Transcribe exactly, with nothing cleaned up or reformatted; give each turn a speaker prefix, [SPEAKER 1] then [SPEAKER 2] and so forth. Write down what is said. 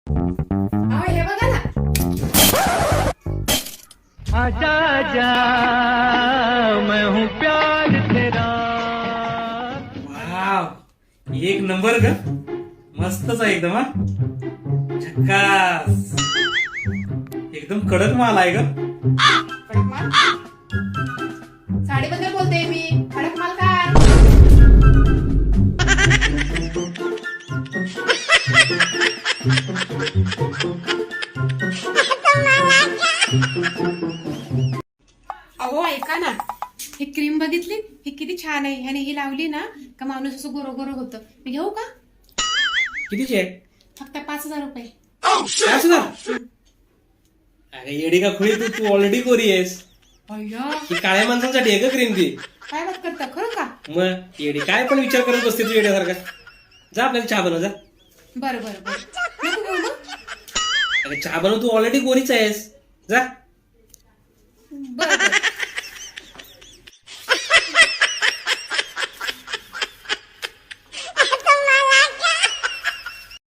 [SPEAKER 1] अहो, हे बघा ना.
[SPEAKER 2] आजा आजा मैं हूँ प्यार तेरा.
[SPEAKER 3] वाव, एक नंबर ग. मस्तच आहे एकदम. हा झक्कास. एकदम कडक माल आहे ग.
[SPEAKER 1] कडक माल साडीबद्दल बोलते मी. कडक माल काय? अहो ऐका ना, ही क्रीम बघितली? ही किती छान आहे. ह्याने ही लावली ना का माणूस असं गोरो गोरो होतं. मी घेऊ का?
[SPEAKER 3] कितीची आहे?
[SPEAKER 1] फक्त पाच हजार रुपये.
[SPEAKER 3] पाच हजार? अरे येडी का खुळी, तू तू ऑलरेडी गोरी आहेस.
[SPEAKER 1] अय्या,
[SPEAKER 3] ही काळ्या माणसांसाठी आहे का क्रीम ती?
[SPEAKER 1] काय बात करता खरं का?
[SPEAKER 3] मग येडी काय पण विचार करत बसते तू येड्यासारखा. जा आपल्याला चहा बनव जा.
[SPEAKER 1] बरं बरं बरं नको घेऊ मग.
[SPEAKER 3] अरे चहा बनव, तू ऑलरेडी गोरीच आहेस. जा.
[SPEAKER 1] बरं बरं